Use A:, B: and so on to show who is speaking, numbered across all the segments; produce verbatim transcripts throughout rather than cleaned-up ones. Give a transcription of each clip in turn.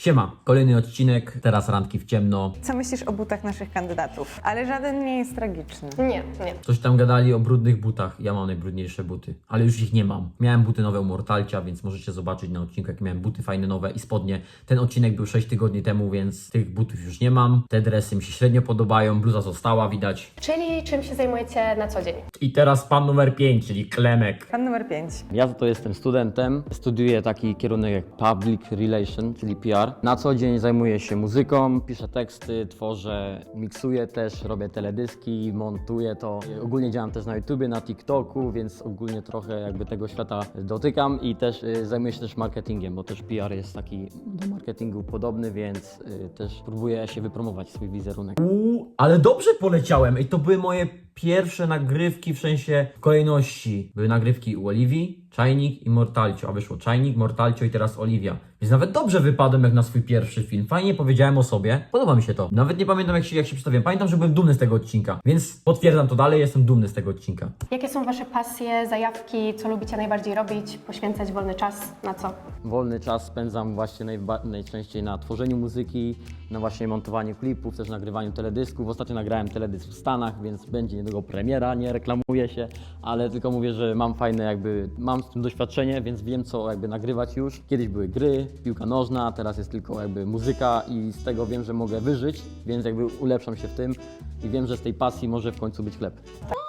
A: Siema, kolejny odcinek, teraz randki w ciemno.
B: Co myślisz o butach naszych kandydatów? Ale żaden nie jest tragiczny.
C: Nie, nie.
A: Coś tam gadali o brudnych butach, ja mam najbrudniejsze buty, ale już ich nie mam. Miałem buty nowe u Mortalcia, więc możecie zobaczyć na odcinku, jakie miałem buty fajne nowe i spodnie. Ten odcinek był sześć tygodni temu, więc tych butów już nie mam. Te dresy mi się średnio podobają, bluza została, widać.
C: Czyli czym się zajmujecie na co dzień?
A: I teraz pan numer pięć, czyli Klemek.
B: Pan numer pięć.
D: Ja to jestem studentem, studiuję taki kierunek jak Public Relation, czyli P R. Na co dzień zajmuję się muzyką, piszę teksty, tworzę, miksuję też, robię teledyski, montuję to. Ogólnie działam też na YouTubie, na TikToku, więc ogólnie trochę jakby tego świata dotykam i też y, zajmuję się też marketingiem, bo też P R jest taki do marketingu podobny, więc y, też próbuję się wypromować swój wizerunek.
A: Uuu, ale dobrze poleciałem i to były moje pierwsze nagrywki w sensie kolejności. Były nagrywki u Oliwii, Czajnik i Mortalcio, a wyszło Czajnik, Mortalcio i teraz Oliwia. Więc nawet dobrze wypadłem jak na swój pierwszy film. Fajnie powiedziałem o sobie. Podoba mi się to. Nawet nie pamiętam jak się, jak się przedstawiłem. Pamiętam, że byłem dumny z tego odcinka. Więc potwierdzam to dalej, jestem dumny z tego odcinka.
C: Jakie są wasze pasje, zajawki, co lubicie najbardziej robić, poświęcać wolny czas, na co?
D: Wolny czas spędzam właśnie najba- najczęściej na tworzeniu muzyki, na właśnie montowaniu klipów, też nagrywaniu teledysków. Ostatnio nagrałem teledysk w Stanach, więc będzie niedługo premiera, nie reklamuję się, ale tylko mówię, że mam fajne jakby, mam z tym doświadczenie, więc wiem co jakby nagrywać już. Kiedyś były gry, piłka nożna, teraz jest tylko jakby muzyka i z tego wiem, że mogę wyżyć, więc jakby ulepszam się w tym i wiem, że z tej pasji może w końcu być chleb.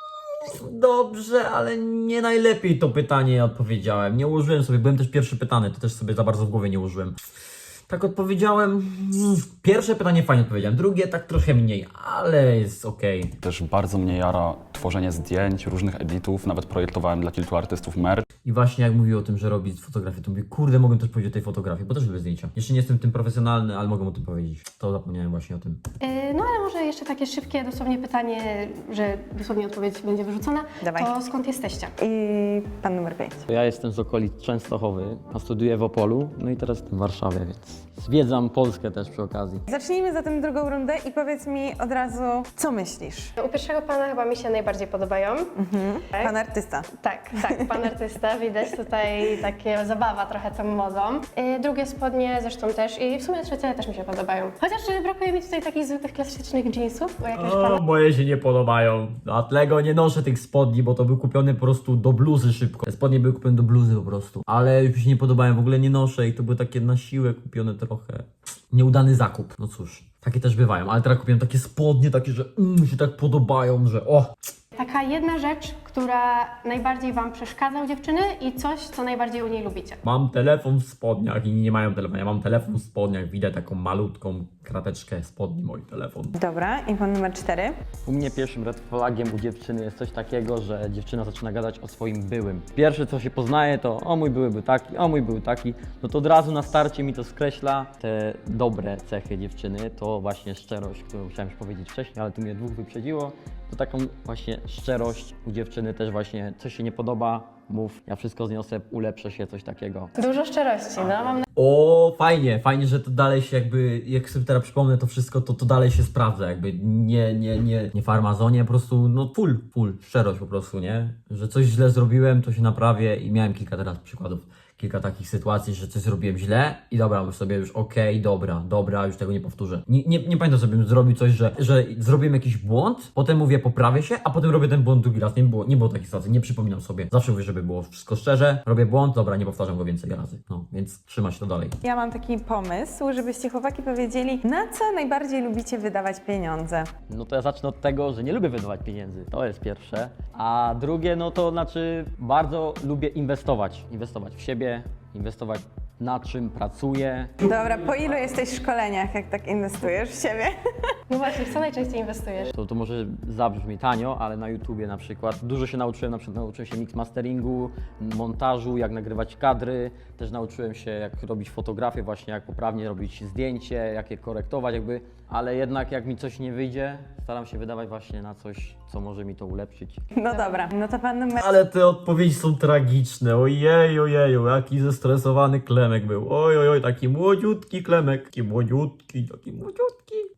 A: Dobrze, ale nie najlepiej to pytanie odpowiedziałem. Nie ułożyłem sobie, byłem też pierwszy pytany, to też sobie za bardzo w głowie nie ułożyłem. Tak odpowiedziałem. mm, Pierwsze pytanie fajnie odpowiedziałem, drugie tak trochę mniej, ale jest okej.
E: Też bardzo mnie jara tworzenie zdjęć, różnych editów, nawet projektowałem dla kilku artystów merch.
A: I właśnie jak mówił o tym, że robi fotografię, to mówię, kurde, mogę też powiedzieć o tej fotografii, bo też lubię zdjęcia. Jeszcze nie jestem tym profesjonalny, ale mogę o tym powiedzieć. To zapomniałem właśnie o tym.
C: Yy, no ale może jeszcze takie szybkie dosłownie pytanie, że dosłownie odpowiedź będzie wyrzucona.
B: Dawaj.
C: To skąd jesteście?
B: I pan numer pięć.
D: Ja jestem z okolic Częstochowy, a studiuję w Opolu, no i teraz jestem w Warszawie, więc zwiedzam Polskę też przy okazji.
B: Zacznijmy zatem drugą rundę i powiedz mi od razu, co myślisz?
C: U pierwszego pana chyba mi się najbardziej podobają. Tak?
B: Pan artysta.
C: Tak, tak, pan artysta, widać tutaj takie zabawa trochę tą modą. Yy, drugie spodnie zresztą też i w sumie trzecie też mi się podobają. Chociaż yy, brakuje mi tutaj takich zwykłych, klasycznych jeansów, bo jakiegoś pana...
A: O, moje się nie podobają. Dlatego nie noszę tych spodni, bo to były kupione po prostu do bluzy szybko. Te spodnie były kupione do bluzy po prostu. Ale już mi się nie podobają, w ogóle nie noszę i to były takie na siłę kupione trochę. Nieudany zakup. No cóż, takie też bywają, ale teraz kupiłem takie spodnie, takie, że mm, mi się tak podobają, że o.
C: Taka jedna rzecz, która najbardziej wam przeszkadza u dziewczyny i coś, co najbardziej u niej lubicie.
A: Mam telefon w spodniach i nie mają telefonu. Ja mam telefon w spodniach, widać taką malutką krateczkę spodni, mój telefon.
B: Dobra, i pan numer cztery.
D: U mnie pierwszym red flagiem u dziewczyny jest coś takiego, że dziewczyna zaczyna gadać o swoim byłym. Pierwsze co się poznaje to o mój były był taki, o mój był taki, no to od razu na starcie mi to skreśla. Te dobre cechy dziewczyny to właśnie szczerość, którą chciałem już powiedzieć wcześniej, ale tu mnie dwóch wyprzedziło. To taką właśnie szczerość u dziewczyny też właśnie, coś się nie podoba, mów, ja wszystko zniosę, ulepszę się, coś takiego.
C: Dużo szczerości, no mam
A: O, fajnie, fajnie, że to dalej się jakby, jak sobie teraz przypomnę to wszystko, to to dalej się sprawdza, jakby nie, nie, nie, nie farmazonie, po prostu, no full, full, szczerość po prostu, nie? Że coś źle zrobiłem, to się naprawię i miałem kilka teraz przykładów, kilka takich sytuacji, że coś zrobiłem źle i dobra, już sobie już okej, dobra, dobra, już tego nie powtórzę. Nie, nie, nie pamiętam sobie, zrobił coś, że, że zrobiłem jakiś błąd, potem mówię poprawię się, a potem robię ten błąd drugi raz, nie było, nie było takiej sytuacji, nie przypominam sobie. Zawsze mówię, żeby było wszystko szczerze, robię błąd, dobra, nie powtarzam go więcej razy, no, więc trzyma się to dalej.
B: Ja mam taki pomysł, żebyście chłopaki powiedzieli, na co najbardziej lubicie wydawać pieniądze.
D: No to ja zacznę od tego, że nie lubię wydawać pieniędzy, to jest pierwsze. A drugie, no to znaczy bardzo lubię inwestować. Inwestować w siebie, inwestować na czym pracuję.
B: Dobra, po ilu jesteś w szkoleniach, jak tak inwestujesz w siebie?
C: No właśnie, w co najczęściej inwestujesz?
D: To, to może zabrzmi tanio, ale na YouTubie na przykład dużo się nauczyłem, na przykład nauczyłem się mix masteringu, montażu, jak nagrywać kadry, też nauczyłem się jak robić fotografię, właśnie jak poprawnie robić zdjęcie, jak je korektować jakby, ale jednak jak mi coś nie wyjdzie, staram się wydawać właśnie na coś, co może mi to ulepszyć.
B: No dobra, no to pan numer...
A: Ale te odpowiedzi są tragiczne, ojej, ojeju, jaki zestresowany Klemek był, oj, oj, oj, taki młodziutki Klemek, taki młodziutki, taki młodziutki,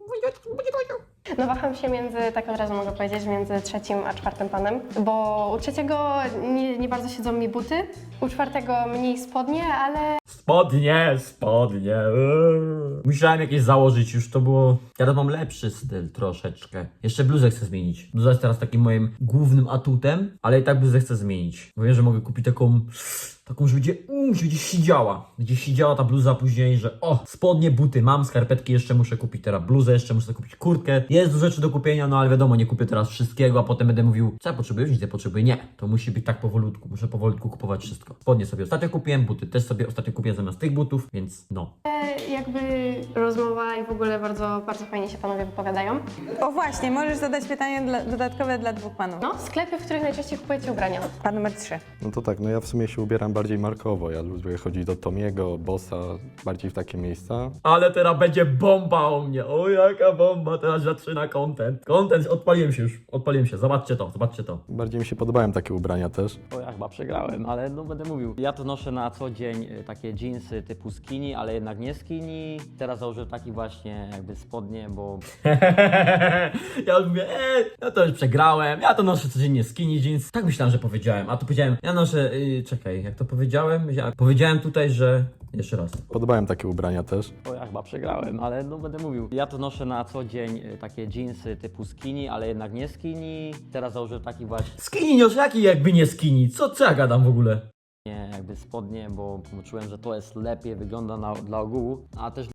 C: No waham się między, tak od razu mogę powiedzieć, między trzecim a czwartym panem, bo u trzeciego nie, nie bardzo siedzą mi buty, u czwartego mniej spodnie, ale
A: Spodnie, spodnie. eee. Musiałem jakieś założyć, już to było. Teraz mam lepszy styl troszeczkę. Jeszcze bluzę chcę zmienić. Bluza jest teraz takim moim głównym atutem, ale i tak bluzę chcę zmienić. Bo wiem, że mogę kupić taką. Taką, że będzie, mm, że będzie siedziała. Będzie siedziała ta bluza później, że o, spodnie, buty mam, skarpetki jeszcze muszę kupić, teraz bluzę jeszcze muszę kupić, kurtkę. Jest dużo rzeczy do kupienia, no ale wiadomo, nie kupię teraz wszystkiego, a potem będę mówił, co ja potrzebuję, nic nie potrzebuję. Nie, to musi być tak powolutku, muszę powolutku kupować wszystko. Spodnie sobie ostatnio kupiłem, buty też sobie ostatnio kupiłem zamiast tych butów, więc no.
C: jakby rozmowa i w ogóle bardzo, bardzo fajnie się panowie wypowiadają.
B: O właśnie, możesz zadać pytanie dla, dodatkowe dla dwóch panów.
C: No, sklepy, w których najczęściej kupujecie ubrania.
B: Pan numer trzy.
F: No to tak, no ja w sumie się ubieram bardziej markowo. Ja lubię chodzić do Tomiego, Bossa, bardziej w takie miejsca.
A: Ale teraz będzie bomba o mnie, o jaka bomba, teraz zaczyna content. Content, odpaliłem się już, odpaliłem się, zobaczcie to, zobaczcie to.
F: Bardziej mi się podobają takie ubrania też.
D: O, ja chyba przegrałem, ale no będę mówił. Ja to noszę na co dzień y, takie jeansy typu skinny, ale jednak nie skinny. Teraz założę taki właśnie jakby spodnie, bo
A: Ja już mówię, eee, ja to już przegrałem, ja to noszę codziennie skinny jeans. Tak myślałem, że powiedziałem, a tu powiedziałem, ja noszę, yy, czekaj, jak to powiedziałem? Ja powiedziałem tutaj, że, jeszcze raz.
F: Podobają takie ubrania też.
D: o, ja chyba przegrałem, ale no będę mówił. Ja to noszę na co dzień y, takie jeansy typu skinny, ale jednak nie skinny. Teraz założę taki właśnie
A: Skinny, już jaki jakby nie skinny, co, co ja gadam w ogóle?
D: jakby spodnie, bo czułem, że to jest lepiej, wygląda na, dla ogółu, a też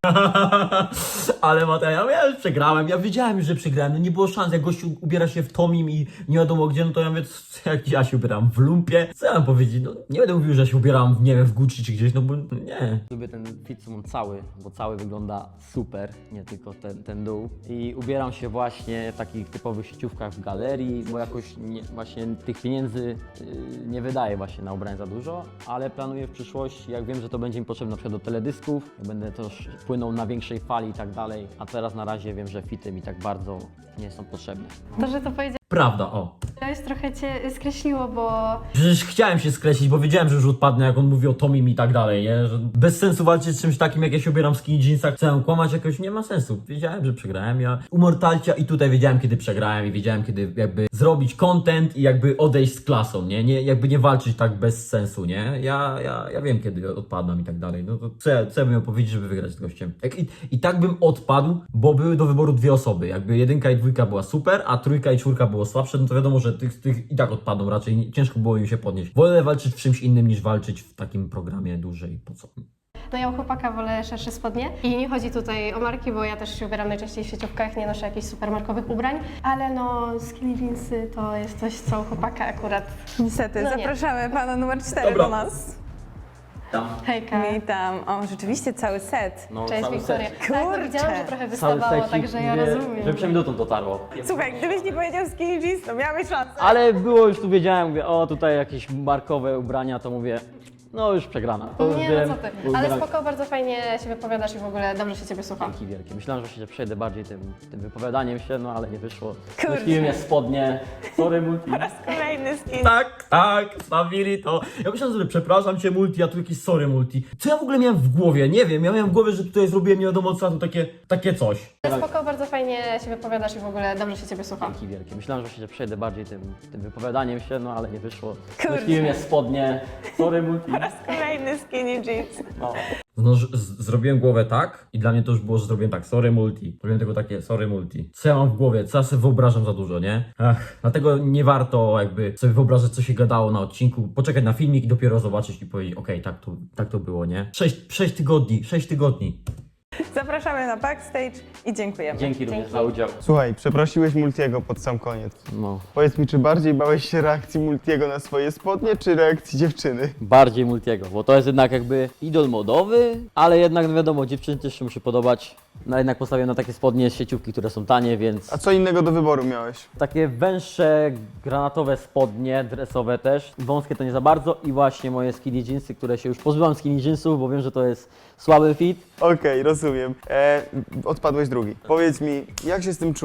A: Ale Mateusz, ja już przegrałem, ja wiedziałem już, że przegrałem, no nie było szans, jak gościu ubiera się w Tomim i nie wiadomo gdzie, no to ja mówię, co, jak ja się ubieram w lumpie, co ja mam powiedzieć, no nie będę mówił, że się ubieram, w, nie wiem, w Gucci czy gdzieś, no bo no, nie.
D: lubię ten fit cały, bo cały wygląda super, nie tylko ten, ten dół. I ubieram się właśnie w takich typowych sieciówkach w galerii, bo jakoś nie, właśnie tych pieniędzy yy, nie wydaję właśnie na ubrania za dużo, ale planuję w przyszłości, jak wiem, że to będzie mi potrzebne na przykład do teledysków, jak będę też płynął na większej fali i tak dalej, a teraz na razie wiem, że fity mi tak bardzo nie są potrzebne.
C: To, że to powiedziałeś,
A: Prawda, o.
C: trochę cię skreśliło, bo
A: Przecież chciałem się skreślić, bo wiedziałem, że już odpadnę, jak on mówi o Tomim i tak dalej, nie? Że bez sensu walczyć z czymś takim, jak ja się ubieram w skinny jeansach, chcę kłamać jakoś, nie ma sensu. Wiedziałem, że przegrałem, ja u Mortalcia i tutaj wiedziałem, kiedy przegrałem i wiedziałem, kiedy jakby zrobić content i jakby odejść z klasą, nie? nie jakby nie walczyć tak bez sensu, nie? Ja, ja, ja wiem, kiedy odpadam i tak dalej, no to co, ja- co ja bym miał powiedzieć, żeby wygrać z gościem? Jak, i, I tak bym odpadł, bo były do wyboru dwie osoby, jakby jedynka i dwójka była super, a trójka i czwórka było słabsze, no to wiadomo, że tych, tych i tak odpadną raczej, nie- ciężko było im się podnieść. Wolę walczyć w czymś innym niż walczyć w takim programie dłużej, po co?
C: no ja u chłopaka wolę szersze spodnie i nie chodzi tutaj o marki, bo ja też się ubieram najczęściej w sieciówkach, nie noszę jakichś supermarkowych ubrań, ale no skinny jeansy to jest coś, co u chłopaka akurat.
B: Niestety,
C: No nie.
B: zapraszamy pana numer cztery
A: Dobra.
B: do nas.
A: Tam.
C: Hejka.
B: I tam, o rzeczywiście cały set.
D: No,
C: Cześć
D: cały
C: Wiktoria.
D: set.
C: Tak, no
B: Kurczę.
C: widziałam, że trochę
D: Cały
C: wystawało,
D: secik,
C: także ja
D: mówię,
C: rozumiem.
D: Że przynajmniej dotąd dotarło.
B: Słuchaj, gdybyś nie powiedział skinny jeans, to miałeś szansę.
D: Ale było już tu, wiedziałem, mówię, o tutaj jakieś markowe ubrania, to mówię, no już przegrana. To już
C: Nie,
D: wiem,
C: no co ty.
D: bo
C: Ale
D: ubieram-
C: spoko, bardzo fajnie się wypowiadasz i w ogóle dobrze się ciebie słucha.
D: Dzięki wielkie. Myślałem, że właśnie, że przejdę bardziej tym, tym wypowiadaniem się, no ale nie wyszło.
B: Kurczę.
D: Nosiłem je spodnie, sorry multi.
B: Kolejny skin.
A: Tak, tak, stawili to. Ja myślałem sobie, przepraszam cię multi, a tu jakieś sorry multi. Co ja w ogóle miałem w głowie? Nie wiem, ja miałem w głowie, że tutaj zrobiłem nie wiadomo co, a tu takie, takie coś.
C: Ale spoko, bardzo fajnie się wypowiadasz i w ogóle dobrze się ciebie słucha.
D: Dzięki wielkie. Myślałem, że właśnie, że przejdę bardziej tym, tym wypowiadaniem się, no ale nie wyszło.
B: Kurczę.
D: Nosiłem je spodnie, sorry multi.
B: Kolejny skinny jeans.
D: No.
A: No, z- z- zrobiłem głowę tak i dla mnie to już było, że zrobiłem tak, sorry multi. Zrobiłem tylko takie, sorry multi. Co ja mam w głowie? Co ja sobie wyobrażam za dużo, nie? Ach, dlatego nie warto jakby sobie wyobrażać, co się gadało na odcinku, poczekać na filmik i dopiero zobaczyć i powiedzieć, okej, tak, to, tak to było, nie? Sześć, sześć tygodni, sześć tygodni.
B: Zapraszamy na backstage i dziękujemy.
D: Dzięki również
C: Dzięki.
D: za udział.
G: Słuchaj, przeprosiłeś Multiego pod sam koniec.
D: No.
G: Powiedz mi, czy bardziej bałeś się reakcji Multiego na swoje spodnie, czy reakcji dziewczyny?
D: Bardziej multiego, bo to jest jednak jakby idol modowy, ale jednak no wiadomo, dziewczyny też się musi podobać. No jednak postawiłem na takie spodnie z sieciówki, które są tanie, więc
G: A co innego do wyboru miałeś?
D: takie węższe, granatowe spodnie, dresowe też. Wąskie to nie za bardzo i właśnie moje skinny jeansy, które się już pozbyłam skinny jeansów, bo wiem, że to jest słaby fit.
G: Okej, rozumiem. E, odpadłeś drugi. Powiedz mi, jak się z tym czujesz?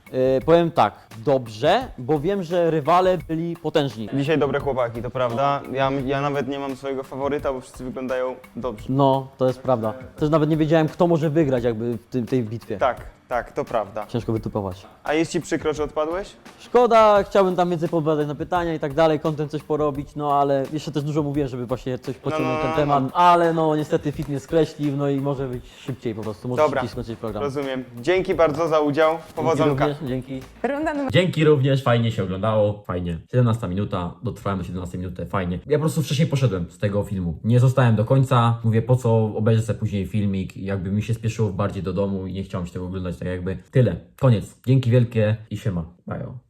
D: Yy, powiem tak, dobrze, bo wiem, że rywale byli potężni.
G: Dzisiaj dobre chłopaki, to prawda. Ja, ja nawet nie mam swojego faworyta, bo wszyscy wyglądają dobrze.
D: No, to jest prawda. Też nawet nie wiedziałem, kto może wygrać jakby w tym, tej bitwie.
G: Tak, tak, to prawda.
D: Ciężko wytypować.
G: A jest ci przykro, że odpadłeś?
D: Szkoda, chciałbym tam więcej podpowiadać na pytania i tak dalej, kontent coś porobić, no ale jeszcze też dużo mówiłem, żeby właśnie coś pociągnąć
G: no,
D: ten
G: no,
D: temat,
G: no.
D: ale no niestety fit mnie skreślił, no i może być szybciej po prostu, może
G: Dobra,
D: szybciej skończyć program.
G: rozumiem. Dzięki bardzo za udział.
D: Dzięki
G: Powodzonka.
D: również, dzięki.
B: Runda numer
A: Dzięki również, fajnie się oglądało, fajnie. siedemnasta minuta, dotrwałem do siedemnastej minuty, fajnie. Ja po prostu wcześniej poszedłem z tego filmu. Nie zostałem do końca, mówię po co obejrzę sobie później filmik i jakby mi się spieszyło bardziej do domu i nie chciałem się tego oglądać, tak jakby tyle. Koniec. Dzięki wielkie i siema. Bajo.